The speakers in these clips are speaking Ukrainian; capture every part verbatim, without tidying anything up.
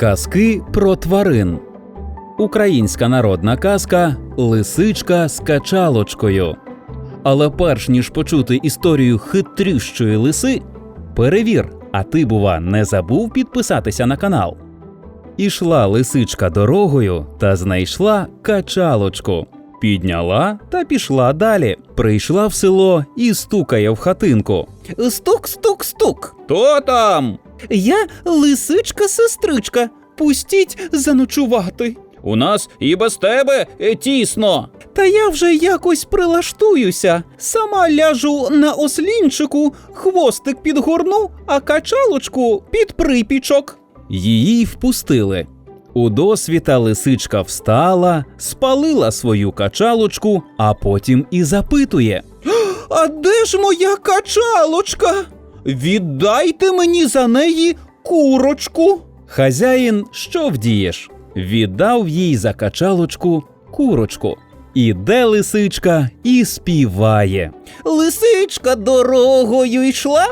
Казки про тварин. Українська народна казка «Лисичка з качалочкою». Але перш ніж почути історію хитрющої лиси, перевір, а ти, бува, не забув підписатися на канал? Ішла лисичка дорогою та знайшла качалочку. Підняла та пішла далі. Прийшла в село і стукає в хатинку. Стук-стук-стук. «Хто там?» Я лисичка-сестричка. Пустіть заночувати. «У нас і без тебе тісно». Та я вже якось прилаштуюся. Сама ляжу на ослінчику, хвостик підгорну, а качалочку під припічок. Її впустили. Удосвіта лисичка встала, спалила свою качалочку, а потім і запитує: «А де ж моя качалочка? Віддайте мені за неї курочку». Хазяїн, що вдієш? Віддав їй за качалочку курочку. Іде лисичка і співає. Лисичка дорогою йшла,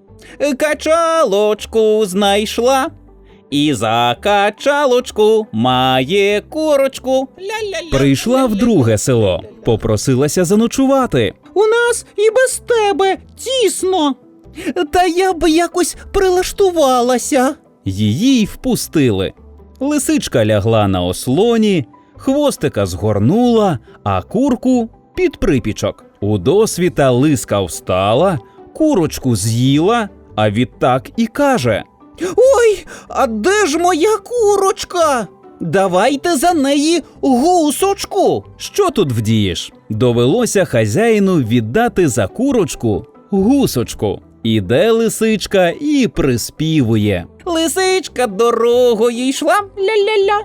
качалочку знайшла, і за качалочку має курочку. Прийшла в друге село, попросилася заночувати. У нас і без тебе тісно. Та я б якось прилаштувалася. Її й впустили. Лисичка лягла на ослоні, хвостика згорнула, а курку під припічок. Удосвіта лиска встала, курочку з'їла, а відтак і каже: «Ой, а де ж моя курочка? Давайте за неї гусочку». Що тут вдієш? Довелося хазяїну віддати за курочку гусочку. Іде лисичка і приспівує. Лисичка дорогою йшла, ля-ля-ля,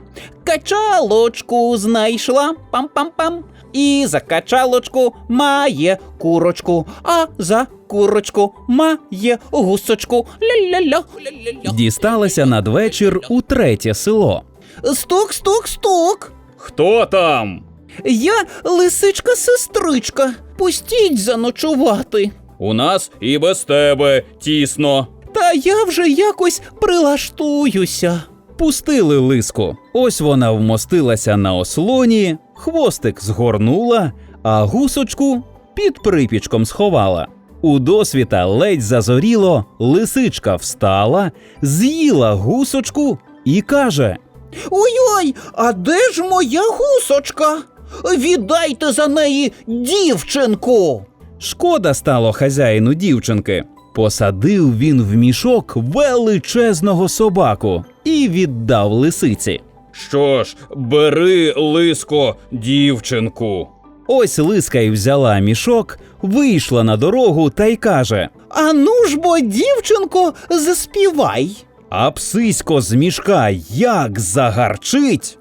качалочку знайшла, пам-пам-пам, і за качалочку має курочку, а за курочку має гусочку, ля-ля-ля. Дісталася надвечір у третє село. Стук-стук-стук. «Хто там?» Я лисичка-сестричка, пустіть заночувати. «У нас і без тебе тісно». Та я вже якось прилаштуюся. Пустили лиску. Ось вона вмостилася на ослоні, хвостик згорнула, а гусочку під припічком сховала. Удосвіта ледь зазоріло, лисичка встала, з'їла гусочку і каже: «Ой-ой, а де ж моя гусочка? Віддайте за неї дівчинку». Шкода стало хазяїну дівчинки. Посадив він в мішок величезного собаку і віддав лисиці. «Що ж, бери, лиско, дівчинку». Ось лиска й взяла мішок, вийшла на дорогу та й каже: «А ну ж бо, дівчинко, заспівай». А псисько з мішка як загарчить.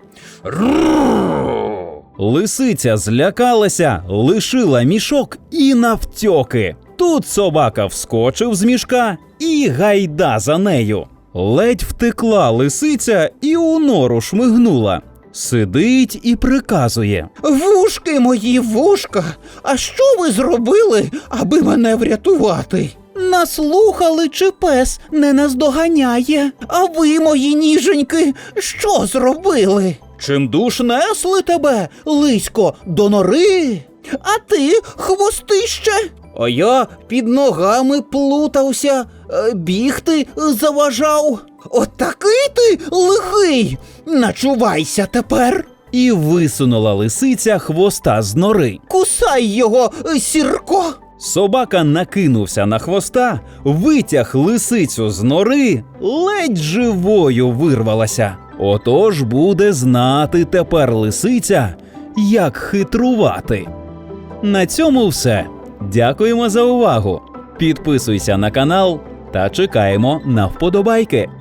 Лисиця злякалася, лишила мішок і навтьоки. Тут собака вскочив з мішка і гайда за нею. Ледь втекла лисиця і у нору шмигнула. Сидить і приказує: «Вушки мої, вушка, а що ви зробили, аби мене врятувати? Наслухали, чи пес не наздоганяє? А ви, мої ніженьки, що зробили? Чимдуж Несли тебе, лисько, до нори? А ти, хвостище?» «А я під ногами плутався, бігти заважав. От такий ти лихий! Начувайся тепер!» І висунула лисиця хвоста з нори. «Кусай його, сірко!» Собака накинувся на хвоста, витяг лисицю з нори, ледь живою вирвалася. Отож буде знати тепер лисиця, як хитрувати. На цьому все. Дякуємо за увагу. Підписуйся на канал та чекаємо на вподобайки.